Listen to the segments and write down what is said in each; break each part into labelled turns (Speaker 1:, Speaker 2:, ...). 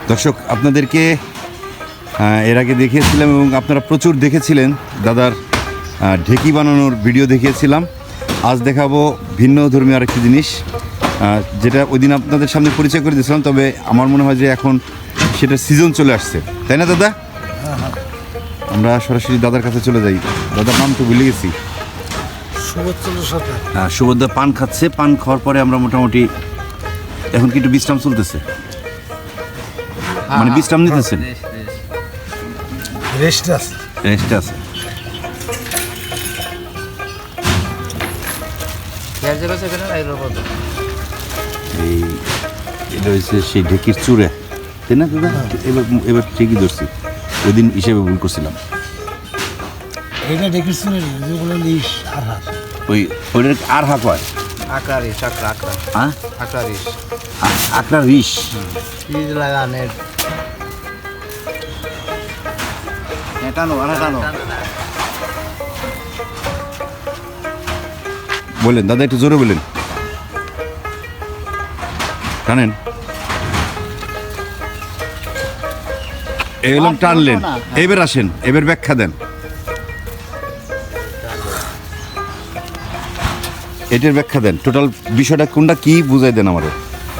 Speaker 1: দর্শক আপনাদেরকে এর আগে দেখিয়েছিলাম এবং আপনারা প্রচুর দেখেছিলেন দাদার ঢেকি বানানোর ভিডিও দেখিয়েছিলাম। আজ দেখাবো ভিন্ন ধর্মীয় আরেকটি জিনিস, যেটা ওই দিন আপনাদের সামনে পরিচয় করে দিয়েছিলাম, তবে আমার মনে হয় যে এখন সেটা সিজন চলে আসছে, তাই না দাদা? আমরা সরাসরি দাদার কাছে চলে যাই। দাদার নাম তো ভুলে গেছি। সুভদ্রা পান খাচ্ছে। পান খাওয়ার পরে আমরা মোটামুটি এখন কি একটু বিশ্রাম চলতেছে, মানে বিশ্রাম নিতেছেন? রেস্ট আছে। এই এটা হচ্ছে সেই ঢেকির চূড়ে, তাই না দাদা? এবার ঠিকই ধরছি, ওই দিন হিসেবে ভুল করছিলাম।
Speaker 2: এটা ঢেকির চূড়ে
Speaker 1: ওই ওইটার আর হাঁক হয়
Speaker 2: আকড়া রিস
Speaker 1: আকড়া রিস
Speaker 2: লাগানের টানো
Speaker 1: বলেন দাদা, একটু জোরে বলেন, টানেন। এগুলো টানলেন, এবার আসেন, এবার ব্যাখ্যা দেন। এটার ব্যাখ্যা দেন, টোটাল বিষয়টা কোনটা কি বুঝাই দেন আমাদের।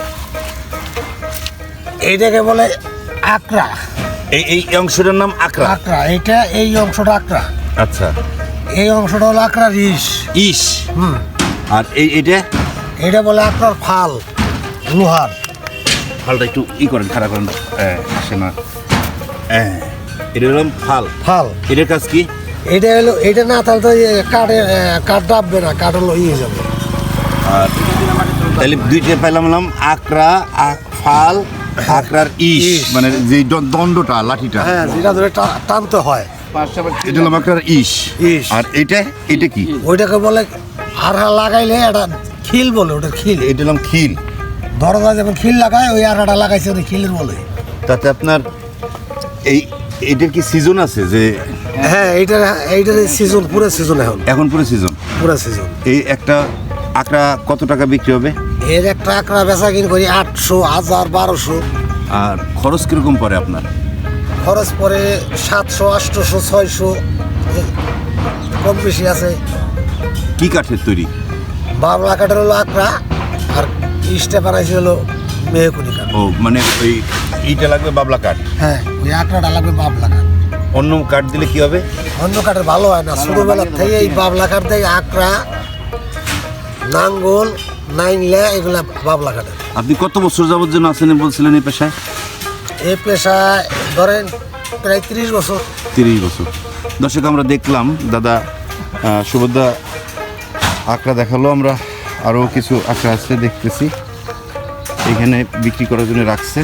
Speaker 2: এইটাকে বলে আকড়া।
Speaker 1: এই অংশটার নাম আকড়া।
Speaker 2: আকড়া এটা, এই অংশটা আকড়া।
Speaker 1: আচ্ছা,
Speaker 2: এই অংশটা হলো আকড়া রিস।
Speaker 1: ইস। আর এটা
Speaker 2: বলে আকড়ার ফাল, লোহার
Speaker 1: ফালটা একটু করেন, খারাপ করেন, আসে না। এটা হলো ফাল। এটার কাজ কি?
Speaker 2: এটা হলো, এটা না তাহলে তো কাঠ ডাববে না, কাঠ হলো যাবে।
Speaker 1: আর তাহলে দুইটা পেলাম আকড়া, ফাল, আকড়ার ইস, মানে যে দণ্ডটা, লাঠিটা,
Speaker 2: হ্যাঁ, যেটা ধরে টানতে হয়,
Speaker 1: এটা হলো আকড়ার ইস। আর এটা কি?
Speaker 2: ওইটাকে বলে আড়া লাগাইলে এটা খিল বলে, ওটা খিল।
Speaker 1: এটা হলো খিল।
Speaker 2: দরজা যখন খিল লাগায়, ওই আড়াটা লাগাইছে, ওটা খিলের বলে।
Speaker 1: তাতে আপনার এটার কি সিজন আছে? যে
Speaker 2: হ্যাঁ, এইটার সিজন, পুরো সিজন এখন
Speaker 1: পুরো সিজন। এই একটা আকড়া কত টাকা বিক্রি হবে?
Speaker 2: এর একটা আকড়া বেচা কিন করি 800, 1000, 1200।
Speaker 1: আর খরচ কিরকম পড়ে আপনার?
Speaker 2: খরচ পড়ে 700, 800, 600, কম বেশি আছে।
Speaker 1: কি কাঠের তৈরি?
Speaker 2: বাবলা কাঠের হলো আকড়া, আর ইস্টে বানাইছে হলো মেহকুনি কাঠ।
Speaker 1: ও, মানে ওই ইটা লাগবে বাবলা কাঠ।
Speaker 2: হ্যাঁ, ওই আকড়াটা লাগবে বাবলা কাঠ।
Speaker 1: অন্য কাঠ দিলে কি হবে?
Speaker 2: অন্য কাঠের ভালো হয় না। ছোটবেলার থেকে এই বাবলা কাঠ দিয়ে আকড়া, নাঙ্গল, নাইনলা, এগুলা বাবলা কাঠের।
Speaker 1: আপনি কত বছর যাবত যেন আছেন বলছিলেন এই পেশায়?
Speaker 2: এই পেশায় ধরেন প্রায় 30 বছর।
Speaker 1: 30 বছর। দর্শক, আমরা দেখলাম দাদা সুভদ্রা আকড়া দেখালো। আমরা আরও কিছু আকড়া আছে দেখতেছি, এখানে বিক্রি করার জন্য রাখছে।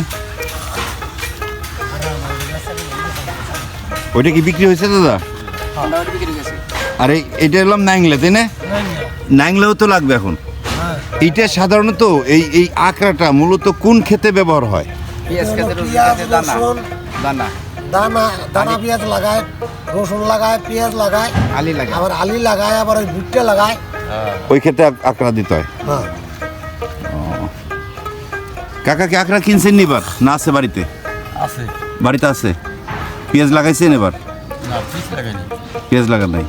Speaker 1: ওইটা কি বিক্রি হয়েছে দাদা? আর এইটা এলাম নাইংলা, তাই না? নাইংলাও তো লাগবে এখন। এইটা সাধারণত এই আকড়াটা মূলত কোন ক্ষেতে ব্যবহার হয়?
Speaker 2: দানা পেঁয়াজ লাগায়, রসুন লাগায়, পেঁয়াজ লাগায়, আবার আলি লাগায়, আবার ওই ভুট্টা লাগায়।
Speaker 1: ওই ক্ষেতে আকড়া দিতে হয়।
Speaker 2: হ্যাঁ।
Speaker 1: কাকা কি আকড়া কিনছেন এবার, না আছে বাড়িতে? বাড়িতে আছে। পেঁয়াজ লাগাইছেন এবার? পেঁয়াজ লাগান নাই।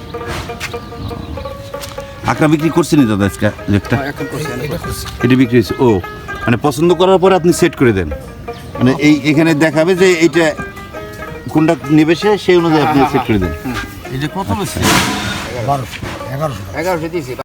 Speaker 1: আকড়া বিক্রি করছেন দাদা আজকে? এটা বিক্রি হয়েছে। ও, মানে পছন্দ করার পরে আপনি সেট করে দেন, মানে এখানে দেখাবে যে এইটা কোনটা নেবে, সেই অনুযায়ী আপনি সেট করে দেন।
Speaker 2: এটা কত বেশি? 1100 দিয়েছি।